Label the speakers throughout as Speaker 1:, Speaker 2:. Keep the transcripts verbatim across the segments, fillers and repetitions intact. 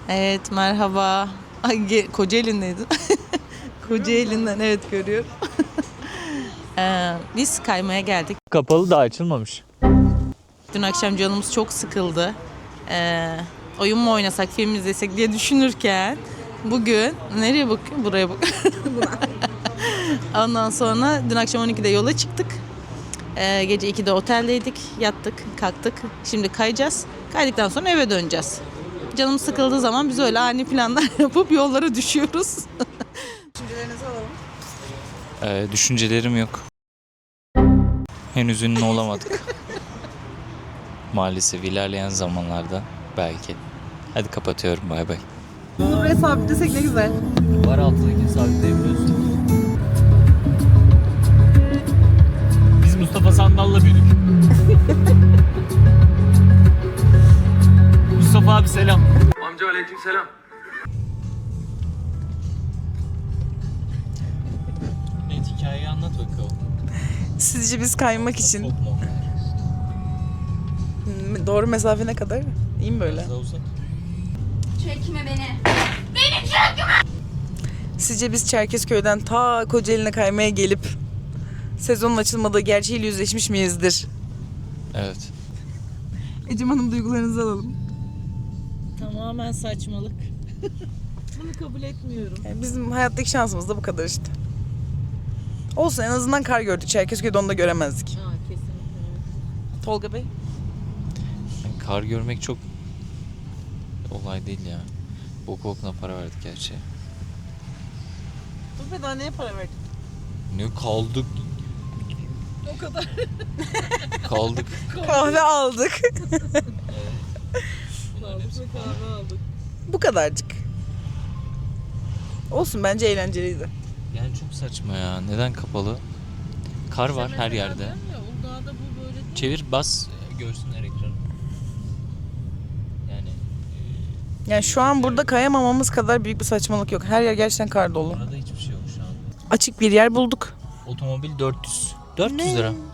Speaker 1: Evet, merhaba. Ay, Kocaeli'ndeydin. Kocaeli'nden evet görüyorum. ee, biz kaymaya geldik.
Speaker 2: Kapalı da açılmamış.
Speaker 1: Dün akşam canımız çok sıkıldı. Ee, oyun mu oynasak, film izlesek diye düşünürken bugün nereye bakıyorum? Buraya bak. Ondan sonra dün akşam on ikide yola çıktık. Ee, gece ikide oteldeydik, yattık, kalktık. Şimdi kayacağız. Kaydıktan sonra eve döneceğiz. Canım sıkıldığı zaman biz öyle ani planlar yapıp yollara düşüyoruz. Düşüncelerinizi alalım.
Speaker 2: Ee, düşüncelerim yok. Henüz ünlü olamadık. Maalesef ilerleyen zamanlarda belki. Hadi kapatıyorum, bay bay.
Speaker 1: Bunu buraya sabitlesek ne güzel.
Speaker 2: Var altındaki sabitleyebiliyorsun. Biz Mustafa Sandal'la büyüdük. Mustafa abi selam.
Speaker 3: Amca aleyküm selam.
Speaker 2: Evet, hikayeyi anlat bakalım.
Speaker 1: Sizce biz kaymak için
Speaker 2: Çok normal.
Speaker 1: doğru mesafe ne kadar? İyi mi böyle?
Speaker 2: Biraz daha uzat.
Speaker 4: Çekme beni.
Speaker 1: Sizce biz Çerkezköy'den ta Kocaeli'ne kaymaya gelip sezonun açılmadığı gerçeğiyle yüzleşmiş miyizdir?
Speaker 2: Evet.
Speaker 1: Ecem Hanım, duygularınızı alalım. Tamamen saçmalık. Bunu kabul etmiyorum. Yani bizim hayattaki şansımız da bu kadar işte. Olsun, en azından kar gördük. Çerkezköy'de onu da göremezdik.
Speaker 4: Aa, kesinlikle.
Speaker 1: Tolga Bey?
Speaker 2: Yani kar görmek çok olay değil ya. Boku okuna para verdik gerçi.
Speaker 1: Dur be, daha neye para verdik?
Speaker 2: Ne kaldık?
Speaker 1: O kadar.
Speaker 2: Kaldık.
Speaker 1: Kahve aldık.
Speaker 2: Bunların hepsi
Speaker 1: kahve aldık. Bu kadarcık. Olsun, bence eğlenceliydi.
Speaker 2: Yani çok saçma ya. Neden kapalı? Kar var her yerde.
Speaker 1: Uludağ'da bu böyle değil.
Speaker 2: Çevir, bas, görsünler ekranı. Yani
Speaker 1: Yani şu an burada kayamamamız kadar büyük bir saçmalık yok. Her yer gerçekten kar dolu.
Speaker 2: orada hiçbir şey yok şu an.
Speaker 1: Açık bir yer bulduk.
Speaker 2: Otomobil dört yüz. dört yüz
Speaker 1: Ne?
Speaker 2: lira.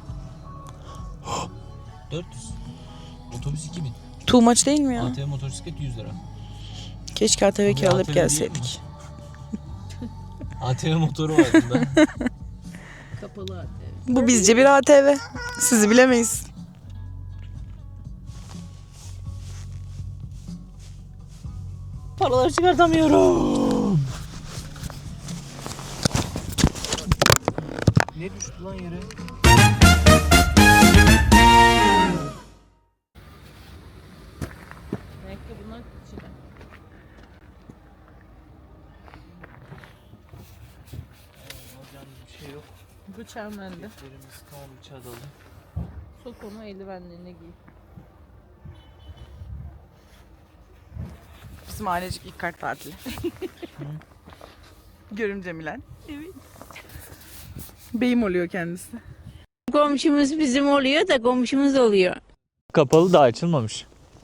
Speaker 2: dört yüz. Otobüs iki bin.
Speaker 1: Too much değil mi ya?
Speaker 2: A T V motosiklet yüz lira.
Speaker 1: Keşke A T V
Speaker 2: Buraya
Speaker 1: kiralayıp
Speaker 2: A T V değil
Speaker 1: gelseydik.
Speaker 2: A T V motoru var bunda.
Speaker 4: Kapalı artık.
Speaker 1: Bu bizce bir A T V. Sizi bilemeyiz. Paraları çıkartamıyorum.
Speaker 2: Ne düştü lan yere?
Speaker 1: Ayakkabılar içine.
Speaker 2: Alacağımız bir şey yok.
Speaker 1: Bıçağım bende.
Speaker 2: Ellerimiz tamam, bıçağı da alın.
Speaker 1: Sok onu, eldivenlerini giy. Bizim ailecik ilk kart tatili. Görümce Milen. Evet. Beyim oluyor kendisi.
Speaker 5: Komşumuz bizim oluyor da komşumuz oluyor.
Speaker 2: Kapalı da açılmamış.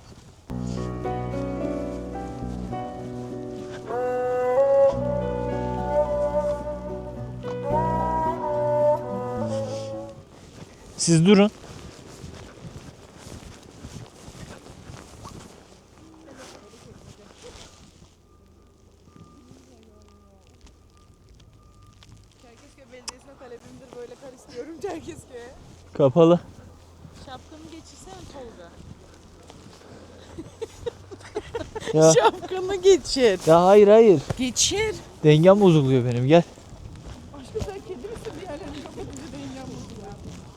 Speaker 2: Siz durun.
Speaker 1: Çerkezköy Belediyesi'ne talebimdir, böyle kar istiyorum Çerkezköy'e.
Speaker 2: Kapalı.
Speaker 1: Şapkanı geçirsene Tolga.
Speaker 2: Ya,
Speaker 1: Şapkanı geçir.
Speaker 2: ya hayır hayır.
Speaker 1: Geçir.
Speaker 2: Dengem bozuluyor benim, gel.
Speaker 1: Aşkım sen kedi misin? Diğerlerini kapatınca dengem bozuluyor.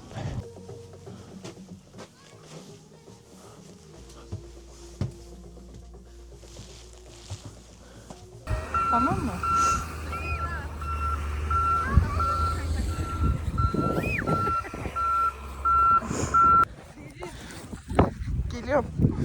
Speaker 1: Tamam mı? Geliyorum.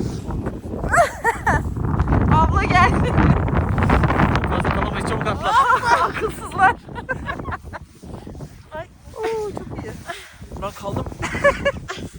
Speaker 1: Abla gel.
Speaker 2: Fazla kalamayız, çabuk atla.
Speaker 1: Akılsızlar. Ay. Oo, çok iyi.
Speaker 2: Ben kaldım.